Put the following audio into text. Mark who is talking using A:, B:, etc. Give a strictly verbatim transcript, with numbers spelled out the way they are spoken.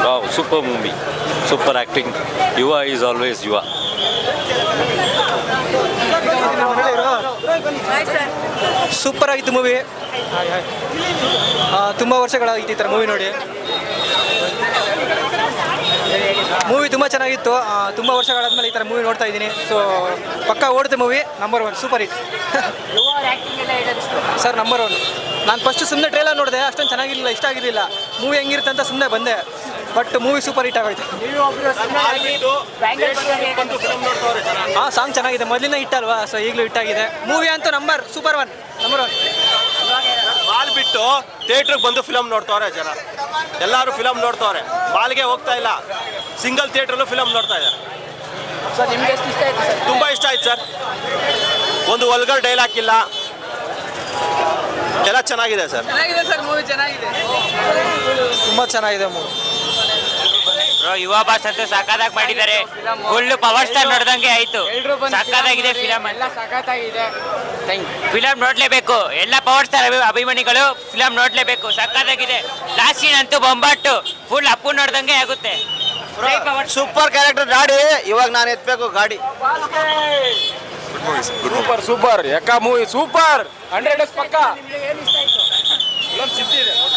A: Wow, super movie, super acting. Yuva is always Yuva.
B: Super ಆಗಿತ್ತು movie. ತುಂಬ ವರ್ಷಗಳಾಗಿತ್ತು ಈ ಥರ ಮೂವಿ ನೋಡಿ. ಮೂವಿ ತುಂಬ ಚೆನ್ನಾಗಿತ್ತು. ತುಂಬ ವರ್ಷಗಳಾದ್ಮೇಲೆ ಈ ಥರ ಮೂವಿ ನೋಡ್ತಾ ಇದ್ದೀನಿ. ಸೊ ಪಕ್ಕ ಓಡುತ್ತೆ movie. Number one super hit sir. Number one. ನಾನು ಫಸ್ಟ್ ಸುಮ್ಮನೆ ಟ್ರೇಲರ್ ನೋಡಿದೆ, ಅಷ್ಟೊಂದು ಚೆನ್ನಾಗಿರಲಿಲ್ಲ, ಇಷ್ಟ ಆಗಿರಲಿಲ್ಲ. ಮೂವಿ ಹೆಂಗಿರುತ್ತೆ ಅಂತ ಸುಮ್ಮನೆ ಬಂದೆ, ಬಟ್ ಮೂವಿ ಸೂಪರ್ ಹಿಟ್ ಆಗೋಯ್ತು. ಹಾಂ, ಸಾಂಗ್ ಚೆನ್ನಾಗಿದೆ, ಮೊದಲಿನ ಹಿಟ್ ಅಲ್ವಾ, ಸೊ ಈಗಲೂ ಹಿಟ್ ಆಗಿದೆ. ಮೂವಿ ಅಂತೂ number super one, number one.
C: Mall ಬಿಟ್ಟು ಥಿಯೇಟ್ರಿಗೆ ಬಂದು ಫಿಲಮ್ ನೋಡ್ತವ್ರೆ ಜನ. ಎಲ್ಲರೂ ಫಿಲಮ್ ನೋಡ್ತವ್ರೆ, ಮಾಲ್ಗೆ ಹೋಗ್ತಾ ಇಲ್ಲ, ಸಿಂಗಲ್ ಥಿಯೇಟ್ರಲ್ಲೂ ಫಿಲಮ್ ನೋಡ್ತಾ ಇದ್ದಾರೆ.
B: ಸರ್ ನಿಮಗೆ ಎಷ್ಟು ಇಷ್ಟ ಆಯ್ತು ಸರ್?
C: ತುಂಬ ಇಷ್ಟ ಆಯ್ತು ಸರ್. ಒಂದು ವಲ್ಗರ್ ಡೈಲಾಗ್ ಇಲ್ಲ, ಎಲ್ಲ ಚೆನ್ನಾಗಿದೆ ಸರ್.
B: ಚೆನ್ನಾಗಿದೆ ಸರ್, ಮೂವಿ ಚೆನ್ನಾಗಿದೆ, ತುಂಬ ಚೆನ್ನಾಗಿದೆ ಮೂವಿ.
D: ಯುವ ಬಾಸ್ ಅಂತೂ ಸಖತ್ತಾಗಿ ಮಾಡಿದ್ದಾರೆ. ಫುಲ್ ಪವರ್ ಸ್ಟಾರ್ ನೋಡ್ದಂಗೆ ಆಯ್ತು. ಸಖತ್ತಾಗಿದೆ ಫಿಲಮ್, ಎಲ್ಲ ಸಖತ್ತಾಗಿದೆ. ಫಿಲಮ್ ನೋಡ್ಲೇಬೇಕು, ಎಲ್ಲ ಪವರ್ ಸ್ಟಾರ್ ಅಭಿಮಾನಿಗಳು ಫಿಲಮ್ ನೋಡ್ಲೇಬೇಕು, ಸಖತ್ತಾಗಿದೆ. ಲಾಸ್ಟ್ ಸೀನ್ ಅಂತೂ ಬೊಂಬಾಟು, ಫುಲ್ ಅಪ್ಪು ನೋಡ್ದಂಗೆ ಆಗುತ್ತೆ.
C: ಸೂಪರ್ ಕ್ಯಾರೆಕ್ಟರ್ ಗಾಡಿ, ಇವಾಗ ನಾನು ಎತ್ಬೇಕು ಗಾಡಿ.
E: ಸೂಪರ್ ಸೂಪರ್ ಯಾಕ ಮೂವಿ ಸೂಪರ್ ಹಂಡ್ರೆಡ್ ಡೇಸ್ ಪಕ್ಕ. ಫಿಲಮ್ ಸಿದ್ದಿದೆ.